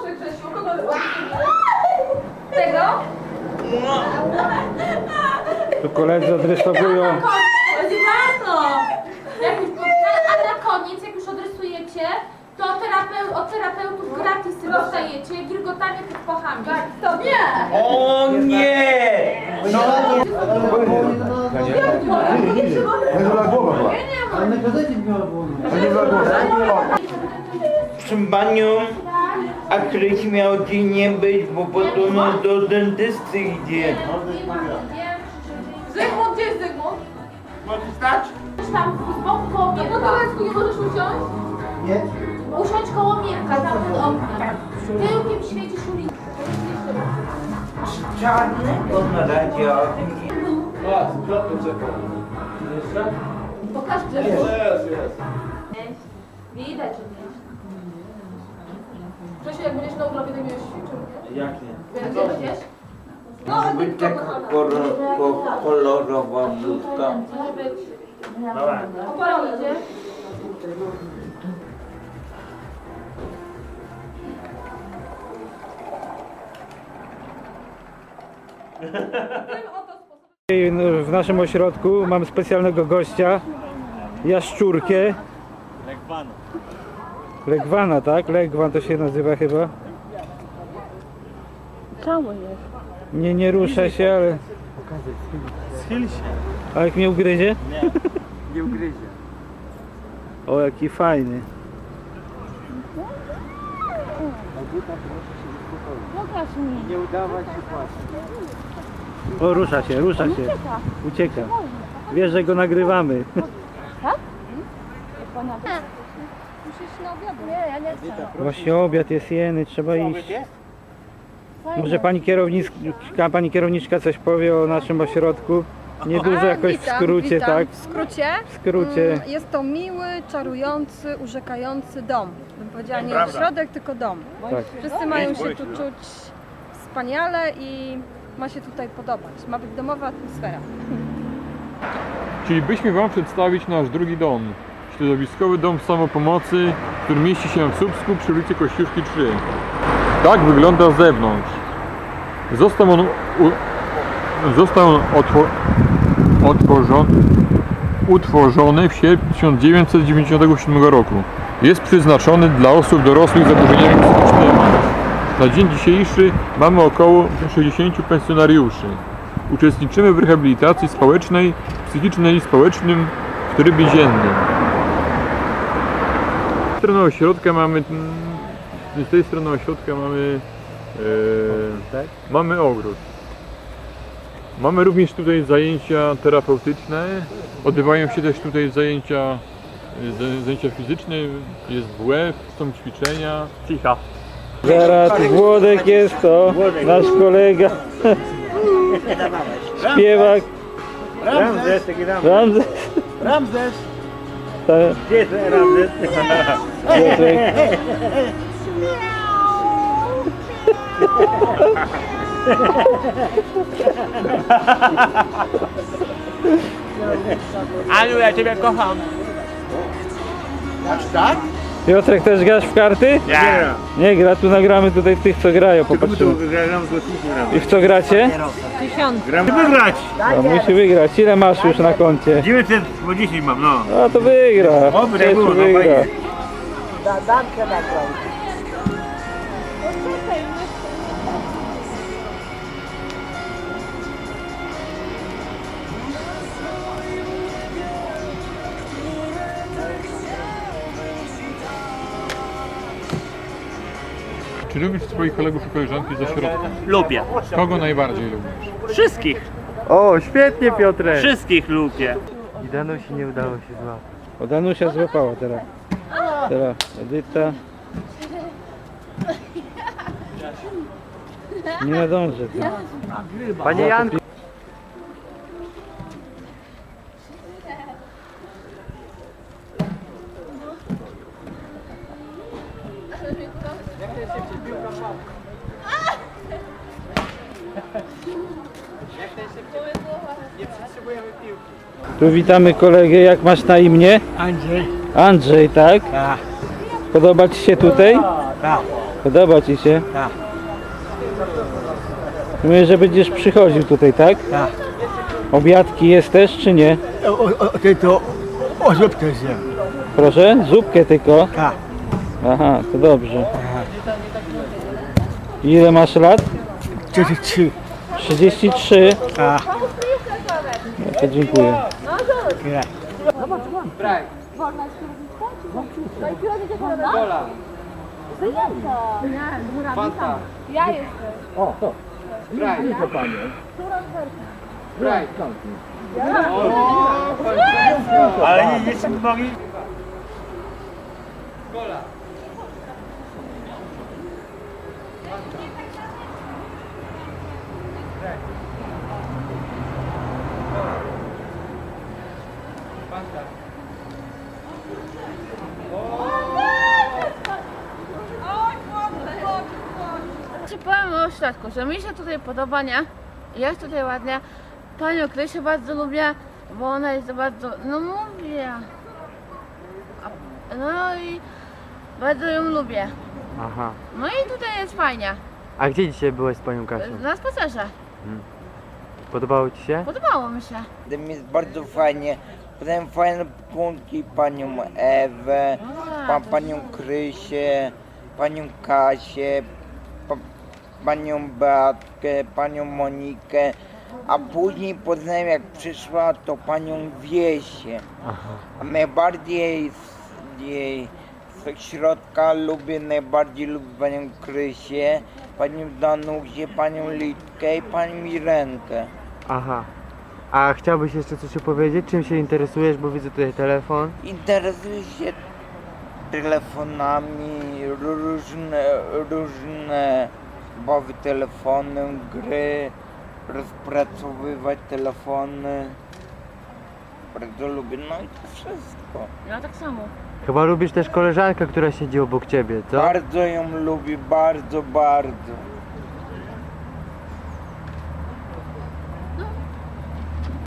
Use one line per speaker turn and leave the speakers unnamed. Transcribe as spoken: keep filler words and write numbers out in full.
Proszę Grzesiu, kogo tego?
Tu koledzy odrysowują.
Warto! Jak już, a na koniec, jak już odrysujecie, to terapeut, od terapeutów gratis dostajecie gilgotanie pod pachami.
Tak, to nie!
O nie! No proszę panią, a któryś miał dzień nie być, bo potem do dentysty idzie.
Zygmunt, gdzie jest Zygmunt?
Możesz stać?
Tam z boku koło
No
Mirka.
Podolesku, nie możesz usiąść?
Nie.
Usiądź koło Mirka, tam pod oknem. Tyłkiem świecisz ulicę.
Czarny? On na razie
Pokaż Grzesiu.
Widać, że nie.
Grzesiu, jak będziesz na urlopie, to będziesz ćwiczył, nie?
Jak nie?
Będziesz? No,
Może
ale
być
tylko
taka
kochana.
kolor- kolorowa bluzka.
Może być.
Opalony, nie?
W naszym ośrodku mamy specjalnego gościa, jaszczurkę. Legwana. Legwana, tak? Legwan to się nazywa chyba.
Cały jest.
Nie, nie rusza się, ale...
Schyl się.
A jak mnie ugryzie?
Nie, nie ugryzie.
O, jaki fajny.
Pokaż mi.
Nie udawać się płacić.
O, rusza się, rusza się. Ucieka. Wiesz, że go nagrywamy.
Tak? Pana... Musisz na obiad. Nie, ja nie chcę.
Właśnie obiad jest jeny, trzeba iść. Może pani kierowniczka, pani kierowniczka coś powie o naszym ośrodku? Niedużo jakoś w
Witam,
skrócie,
witam.
tak?
W skrócie?
W skrócie.
Mm, Jest to miły, czarujący, urzekający dom. Bym powiedziała nie ośrodek, tylko dom.
Tak.
Wszyscy mają się tu czuć wspaniale i ma się tutaj podobać. Ma być domowa atmosfera.
Chcielibyśmy Wam przedstawić nasz drugi dom. Środowiskowy dom samopomocy, który mieści się w Słupsku przy ulicy Kościuszki trzy. Tak wygląda z zewnątrz. Został on, u, został on otwo, otworzony, utworzony w sierpniu tysiąc dziewięćset dziewięćdziesiątego siódmego roku. Jest przeznaczony dla osób dorosłych z zaburzeniami psychicznymi. Na dzień dzisiejszy mamy około sześćdziesięciu pensjonariuszy. Uczestniczymy w rehabilitacji społecznej, psychicznej i społecznym w trybie dziennym. Z strony ośrodka mamy, z tej strony ośrodka mamy, e, mamy ogród. Mamy również tutaj zajęcia terapeutyczne, odbywają się też tutaj zajęcia, e, zajęcia fizyczne, jest W F, są ćwiczenia. Cicha.
Zaraz, Włodek jest to, nasz kolega. Śpiewak.
Ramzes, taki Ramzes.
Ramzes.
Ramzes.
Ta-
Gdzie jest Ramzes?
Piotrek.
Aniu, ja Ciebie kocham. Aż tak?
Piotrek, też grasz w karty?
Nie.
Nie gra, tu nagramy tutaj tych, co grają, popatrzymy.
Gram z gotówką.
I w co gracie?
Gram wygrać.
No, musi wygrać. Ile masz już na koncie?
dziewięćset dziesięć mam, no.
No to wygra.
Oby tak
Cieszu
było, no
wygra.
fajnie.
Czy lubisz swoich kolegów i koleżanki z ośrodka?
Lubię.
Kogo najbardziej lubisz?
Wszystkich.
O, świetnie, Piotrek.
Wszystkich lubię.
O, Danusia złapała teraz. Teraz Edyta. Nie nadążę. Panie Janku. Tu witamy kolegę, jak masz na imię?
Andrzej.
Andrzej, tak?
Tak.
Podoba Ci się tutaj?
Tak.
Podoba ci się?
Tak.
Mówię, że będziesz przychodził tutaj, tak?
Tak.
Obiadki jest też, czy nie?
O, o, o, ty to o zupkę zjem.
Proszę? Zupkę tylko?
Tak.
Aha, to dobrze. Ile masz lat?
trzydzieści trzy.
trzydzieści trzy.
Tak.
No to dziękuję.
Tyle.
Ja jestem.
Ale nie, nie są nogi.
Czy powiem o ośrodku, że mi się tutaj podoba, nie? Jest tutaj ładnie. Panią Krysię bardzo lubię, bo ona jest bardzo, no mówię. A- No i bardzo ją lubię.
Aha.
No i tutaj jest fajnie.
A gdzie dzisiaj byłeś z panią Kasią?
Na spacerze.
Podobało ci się?
Podobało mi się.
Tam jest bardzo fajnie. Potem fajne punki, panią Ewę, pa, panią Krysię, panią Kasię, pa, panią Beatkę, panią Monikę, a później poznałem, jak przyszła, to panią Wiesię. A najbardziej z jej z środka lubię, najbardziej lubię panią Krysię, panią Danusię, panią Litkę i panią Mirenkę.
Aha. A chciałbyś jeszcze coś opowiedzieć? Czym się interesujesz? Bo widzę tutaj telefon.
Interesuję się telefonami, różne, różne bawy telefonem, gry, rozpracowywać telefony. Bardzo lubię, no i to wszystko.
Ja tak samo.
Chyba lubisz też koleżankę, która siedzi obok ciebie, co?
Bardzo ją lubię, bardzo, bardzo.